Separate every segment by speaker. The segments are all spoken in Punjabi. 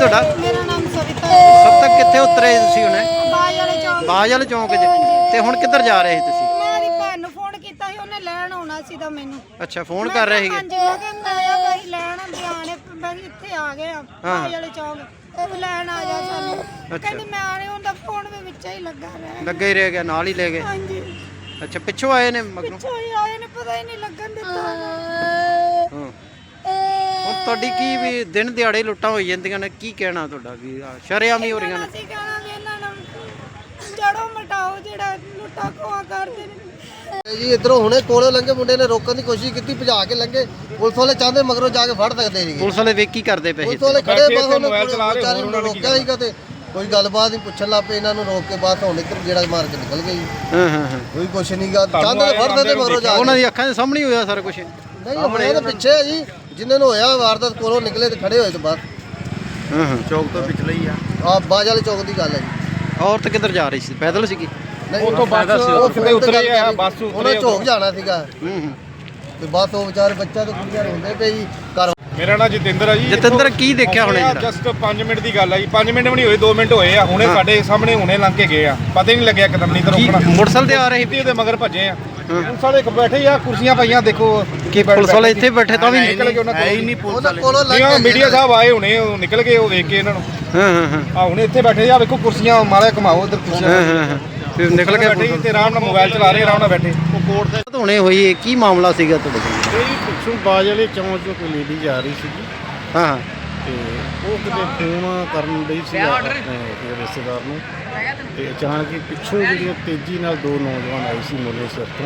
Speaker 1: ਤੁਹਾਡਾ?
Speaker 2: ਮੇਰਾ ਨਾਮ ਸਵਿਤਾ
Speaker 1: ਸਭ ਤੱਕ ਕਿੱਥੇ ਉਤਰੇ ਤੁਸੀਂ ਹੁਣੇ?
Speaker 2: ਬਾਜ ਵਾਲੇ ਚੌਂਕ।
Speaker 1: ਬਾਜ ਵਾਲੇ ਚੌਂਕ 'ਚ। ਤੇ ਹੁਣ ਕਿੱਧਰ ਜਾ ਰਹੇ ਸੀ ਤੁਸੀਂ?
Speaker 2: ਮੈਂ ਦੀ ਭੈਣ ਨੂੰ ਫੋਨ ਕੀਤਾ ਸੀ, ਉਹਨੇ ਲੈਣ ਆਉਣਾ ਸੀ ਤਾਂ ਮੈਨੂੰ।
Speaker 1: ਅੱਛਾ, ਫੋਨ ਕਰ ਰਹੇ ਸੀਗੇ?
Speaker 2: ਹਾਂਜੀ, ਮੈਂ ਕਿਹਾ ਮੈਂ ਆਇਆ ਭਾਈ ਲੈਣ ਬਿਆਨੇ ਮੈਂ ਇੱਥੇ ਆ ਗਏ ਆ ਬਾਜ ਵਾਲੇ ਚੌਂਕ, ਉਹ ਲੈਣ ਆ ਜਾ ਸਾਨੂੰ। ਕਹਿੰਦੀ ਮੈਂ ਆ ਰਹੀ, ਉਹਦਾ ਫੋਨ ਵੀ ਵਿੱਚ ਹੀ ਲੱਗਾ ਰਿਹਾ।
Speaker 1: ਲੱਗਾ ਹੀ ਰਹਿ ਗਿਆ, ਨਾਲ ਹੀ ਲੈ ਗਏ?
Speaker 2: ਹਾਂਜੀ।
Speaker 1: ਅੱਛਾ, ਪਿੱਛੋਂ ਆਏ ਨੇ ਮਗਰੋਂ?
Speaker 2: ਪਿੱਛੋਂ ਹੀ ਆਏ ਨੇ, ਪਤਾ ਹੀ ਨਹੀਂ ਲੱਗਣ ਦਿੱਤਾ।
Speaker 1: ਹਾਂ। ਹੁਣ ਤੁਹਾਡੀ ਕੀ ਵੀ ਦਿਨ ਦਿਹਾੜੇ ਲੁੱਟਾਂ ਹੋਈ ਜਾਂਦੀਆਂ ਨੇ, ਕੀ ਕਹਿਣਾ ਤੁਹਾਡਾ ਵੀ ਸ਼ਰੇਆਮ ਹੀ ਹੋ ਰਹੀਆਂ ਨੇ?
Speaker 2: ਅਸੀਂ ਕਹਿਣਾ ਵੀ ਇਹਨਾਂ ਨੂੰ ਜੜੋਂ ਮਟਾਓ, ਜਿਹੜਾ ਲੁੱਟਾਂ ਖੋਹਾਂ ਕਰਦੇ ਨੇ
Speaker 3: ਜੀ। ਇਧਰੋਂ ਹੁਣੇ ਕੋਲੋਂ ਲੰਘੇ ਮੁੰਡੇ ਨੇ ਰੋਕਣ ਦੀ ਕੋਸ਼ਿਸ਼ ਕੀਤੀ, ਭਜਾ ਕੇ ਲੰਘੇ। ਪੁਲਿਸ ਵਾਲੇ ਚਾਹੁੰਦੇ ਮਗਰੋਂ ਜਾ ਕੇ ਫੜ ਸਕਦੇ ਸੀਗੇ।
Speaker 1: ਪੁਲਿਸ ਵਾਲੇ ਵੇਖ ਕੀ ਕਰਦੇ ਪਏ ਸੀ?
Speaker 3: ਪੁਲਿਸ ਵਾਲੇ ਖੜੇ ਬਾਹਰ ਮੋਬਾਈਲ ਚਲਾ ਰਹੇ, ਉਹਨਾਂ ਨੂੰ ਰੋਕਿਆ ਸੀਗਾ ਤੇ ਕੋਈ ਗੱਲਬਾਤ ਨਹੀਂ ਪੁੱਛਣ ਲੱਗ ਪਏ ਇਹਨਾਂ ਨੂੰ, ਰੋਕ ਕੇ ਬਾਅਦ ਹੁਣ ਇੱਧਰ ਜਿਹੜਾ ਮਾਰ ਕੇ ਨਿਕਲ ਗਈ।
Speaker 1: ਹਾਂ ਹਾਂ ਹਾਂ।
Speaker 3: ਕੋਈ ਕੁਛ ਨਹੀਂ ਗਾ, ਚਾਹੁੰਦੇ ਫੜ ਸਕਦੇ ਮਗਰੋਂ ਜਾ ਕੇ।
Speaker 1: ਉਹਨਾਂ ਦੀ ਅੱਖਾਂ ਦੇ ਸਾਹਮਣੇ ਹੀ ਹੋਇਆ ਸਾਰਾ ਕੁਝ?
Speaker 3: ਨਹੀਂ, ਆਪਣੇ ਇਹਦੇ ਪਿੱਛੇ ਹੈ ਜੀ, ਜਿਨ੍ਹਾਂ ਨੂੰ ਹੋਇਆ ਵਾਰਦਾਤ ਕੋਲੋਂ ਨਿਕਲੇ ਤੇ ਖੜੇ ਹੋਏ ਤੋਂ ਬਾਅਦ।
Speaker 1: ਹਾਂ ਹਾਂ, ਚੌਕ ਤੋਂ ਪਿਛਲੇ ਹੀ ਆ।
Speaker 3: ਬਾਜ ਵਾਲੇ ਚੌਕ ਦੀ ਗੱਲ ਹੈ ਜੀ।
Speaker 1: ਔਰਤ ਕਿੱਧਰ ਜਾ ਰਹੀ ਸੀ? ਪੈਦਲ ਸੀਗੀ?
Speaker 3: ਨਹੀਂ,
Speaker 4: ਉਹ ਤੋਂ ਬੱਸ ਕਿਤੇ ਉਤਰੇ ਆ, ਬੱਸ ਉਤਰੇ।
Speaker 3: ਉਹਨਾਂ ਝੋਕ ਜਾਣਾ ਸੀਗਾ
Speaker 1: ਹੂੰ ਹੂੰ।
Speaker 3: ਤੇ ਬਸ ਉਹ ਵਿਚਾਰੇ ਬੱਚਾ ਤੇ ਕੁੜੀਆਂ ਰੋਂਦੇ ਪਏ ਜੀ। ਘਰ
Speaker 4: ਮੇਰਾ ਨਾਮ ਜਤਿੰਦਰ ਆ ਜੀ।
Speaker 1: ਜਤਿੰਦਰ, ਕੀ ਦੇਖਿਆ ਹੁਣੇ ਜਿਹੜਾ?
Speaker 4: ਜਸਟ 5 ਮਿੰਟ ਦੀ ਗੱਲ ਆ ਜੀ, 5 ਮਿੰਟ ਵੀ ਨਹੀਂ ਹੋਏ, 2 ਮਿੰਟ ਹੋਏ ਆ। ਹੁਣੇ ਸਾਡੇ ਸਾਹਮਣੇ ਹੁਣੇ ਲੰਘ ਕੇ ਗਏ ਆ, ਪਤਾ ਹੀ ਨਹੀਂ ਲੱਗਿਆ ਕਦਮ ਨਹੀਂ ਤਾਂ
Speaker 1: ਕੀ
Speaker 4: ਰੋਕਣਾ।
Speaker 1: ਮੋਟਰਸਾਈਕਲ ਤੇ ਆ ਰਹੇ ਸੀ?
Speaker 4: ਉਹਦੇ ਮਗਰ ਭੱਜੇ ਆ। ਪੁਲਿਸ ਵਾਲੇ ਬੈਠੇ ਆ, ਕੁਰਸੀਆਂ ਪਈਆਂ, ਦੇਖੋ
Speaker 1: ਕਿ ਪੁਲਿਸ ਵਾਲੇ ਇੱਥੇ ਬੈਠੇ ਤਾਂ ਵੀ
Speaker 4: ਨਿਕਲ ਗਏ ਉਹਨਾਂ
Speaker 3: ਕੋਲੋਂ ਲੰਘ ਕੇ
Speaker 4: ਮੀਡੀਆ ਸਾਹਿਬ ਆਏ ਹੁਣੇ, ਉਹ ਨਿਕਲ ਗਏ, ਉਹ ਵੇਖ ਕੇ ਇਹਨਾਂ ਨੂੰ।
Speaker 1: ਹਾਂ ਹਾਂ ਹਾਂ
Speaker 4: ਆ ਹੁਣੇ ਇੱਥੇ ਬੈਠੇ ਆ, ਵੇਖੋ ਕੁਰਸੀਆਂ ਮਾਰਿਆ, ਘਮਾਓ ਇੱਧਰ ਕੁਰਸੀਆਂ।
Speaker 1: ਹਾਂ ਹਾਂ ਹਾਂ। ਫਿਰ ਨਿਕਲ ਕੇ
Speaker 4: ਬੈਠੇ ਤੇ ਆਰਾਮ ਨਾਲ ਮੋਬਾਈਲ ਚਲਾ ਰਹੇ, ਆਰਾਮ ਨਾਲ ਬੈਠੇ।
Speaker 1: ਉਹ ਕੋਰਟ ਦੇ ਧੋਣੇ ਹੋਈ ਹੈ, ਕੀ ਮਾਮਲਾ ਸੀਗਾ ਤੁਹਾਡੇ ਕੋਲ?
Speaker 5: ਇਹ ਪਿੱਛੋਂ ਬਾਜ ਵਾਲੇ ਚੌਂਕ ਚੋਂ ਕੋਈ ਲੇਡੀ ਜਾ ਰਹੀ ਸੀਗੀ
Speaker 1: ਹਾਂ ਹਾਂ।
Speaker 5: ਤੇ ਉਹ ਕਿਤੇ ਫੋਨ ਕਰਨ ਲਈ ਸੀ ਆਪਣੇ ਰਿਸ਼ਤੇਦਾਰ ਨੂੰ, ਤੇ ਅਚਾਨਕ ਹੀ ਪਿੱਛੋਂ ਜਿਹੜੀਆਂ ਤੇਜ਼ੀ ਨਾਲ 2 ਨੌਜਵਾਨ ਆਏ ਸੀ ਮੋਲੇ ਸਿਰ ਤੋਂ,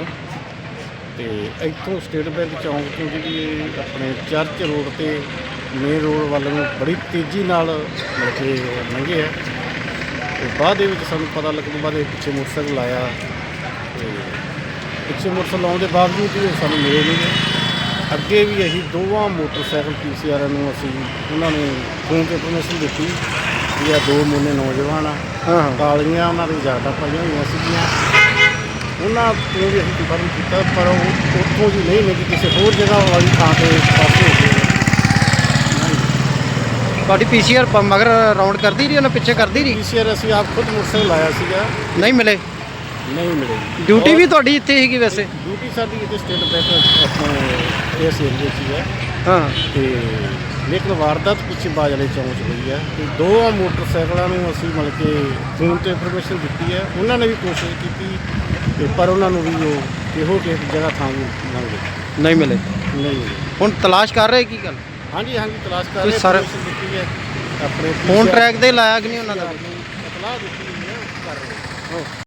Speaker 5: ਤੇ ਇੱਥੋਂ ਸਟੇਟ ਬੈਂਕ ਚੌਂਕ ਤੋਂ ਜਿਹੜੀ ਆਪਣੇ ਚਰਚ ਰੋਡ ਤੇ ਮੇਨ ਰੋਡ ਵੱਲ ਨੂੰ ਬੜੀ ਤੇਜ਼ੀ ਨਾਲ ਮਤਲਬ ਕਿ ਲੰਘੇ ਆ। ਤੇ ਬਾਅਦ ਦੇ ਵਿੱਚ ਸਾਨੂੰ ਪਤਾ ਲੱਗਣ ਤੋਂ ਬਾਅਦ ਇਹ ਪਿੱਛੇ ਮੋਟਰਸਾਈਕਲ ਆਇਆ, ਤੇ ਪਿੱਛੇ ਮੋਟਰਸਾਈਕਲ ਆਉਣ ਦੇ ਬਾਵਜੂਦ ਵੀ ਸਾਨੂੰ ਮਿਲੇ ਨਹੀਂ ਗੇ। ਅੱਗੇ ਵੀ ਅਸੀਂ ਦੋਵਾਂ ਮੋਟਰਸਾਈਕਲ PCR ਨੂੰ ਅਸੀਂ ਉਹਨਾਂ ਨੂੰ ਫੋਨ 'ਤੇ ਇਨਫੋਰਮੇਸ਼ਨ ਦਿੱਤੀ ਵੀ ਇਹ 2 ਮੋਨੇ ਨੌਜਵਾਨ ਆ, ਕਾਲੀਆਂ ਉਹਨਾਂ ਦੀ ਜਾਡਾ ਪਾਈਆਂ ਹੋਈਆਂ ਸੀਗੀਆਂ। ਉਹਨਾਂ ਤੋਂ ਵੀ ਅਸੀਂ ਕੰਫਰਮ ਕੀਤਾ, ਪਰ ਉਹ ਉੱਥੋਂ ਜੀ ਨਹੀਂ ਮਿਲੀ, ਕਿਸੇ ਹੋਰ ਜਗ੍ਹਾ ਵਾਲੀ ਥਾਂ 'ਤੇ ਪਾਸੇ ਹੋ ਗਏ।
Speaker 1: ਤੁਹਾਡੀ PCR ਮਗਰ ਰਾਉਂਡ ਕਰਦੀ ਰਹੀ, ਉਹਨਾਂ ਪਿੱਛੇ ਕਰਦੀ ਰਹੀ?
Speaker 5: PCR ਅਸੀਂ ਆਪ ਖੁਦ ਮੋਟਰਸਾਈਕਲ ਲਾਇਆ ਸੀਗਾ,
Speaker 1: ਨਹੀਂ ਮਿਲੇ?
Speaker 5: ਨਹੀਂ ਮਿਲੇ।
Speaker 1: ਡਿਊਟੀ ਵੀ ਤੁਹਾਡੀ ਇੱਥੇ ਸੀਗੀ ਵੈਸੇ?
Speaker 5: ਡਿਊਟੀ ਸਾਡੀ ਇੱਥੇ ਸਟੇਟ ਬੈਂਕ ਆਪਣੇ ਇਸ ਏਰੀਏ 'ਚ ਹੀ ਹੈ।
Speaker 1: ਹਾਂ।
Speaker 5: ਤੇ ਲੇਕਿਨ ਵਾਰਦਾਤ ਪਿੱਛੇ ਬਾਜ ਵਾਲੇ ਚੌਂਕ 'ਚ ਹੋਈ ਹੈ। ਤੇ 2 ਮੋਟਰਸਾਈਕਲਾਂ ਨੂੰ ਅਸੀਂ ਮਤਲਬ ਕਿ ਫੋਨ 'ਤੇ ਇਨਫੋਰਮੇਸ਼ਨ ਦਿੱਤੀ ਹੈ, ਉਹਨਾਂ ਨੇ ਵੀ ਕੋਸ਼ਿਸ਼ ਕੀਤੀ ਤੇ ਪਰ ਉਹਨਾਂ ਨੂੰ ਵੀ ਉਹ ਕਿਹੋ ਕਿਸੇ ਜਗ੍ਹਾ ਥਾਂ
Speaker 1: ਨਹੀਂ ਮਿਲੇ?
Speaker 5: ਨਹੀਂ।
Speaker 1: ਹੁਣ ਤਲਾਸ਼ ਕਰ ਰਹੇ ਕੀ ਗੱਲ?
Speaker 5: ਹਾਂਜੀ ਹਾਂਜੀ, ਤਲਾਸ਼ ਕਰ
Speaker 1: ਕੋਈ
Speaker 5: ਰਹੇ,
Speaker 1: ਸਰ
Speaker 5: ਇਨਫੋਰਮੇਸ਼ਨ ਦਿੱਤੀ ਹੈ ਆਪਣੇ
Speaker 1: ਫੋਨ ਟਰੈਕ ਤੇ ਲਾਇਆ ਕਿ ਨਹੀਂ ਉਹਨਾਂ ਦਾ?
Speaker 5: ਇਤਲਾਹ ਦਿੱਤੀ ਹੋਈ ਹੈ, ਕਰ ਰਹੇ।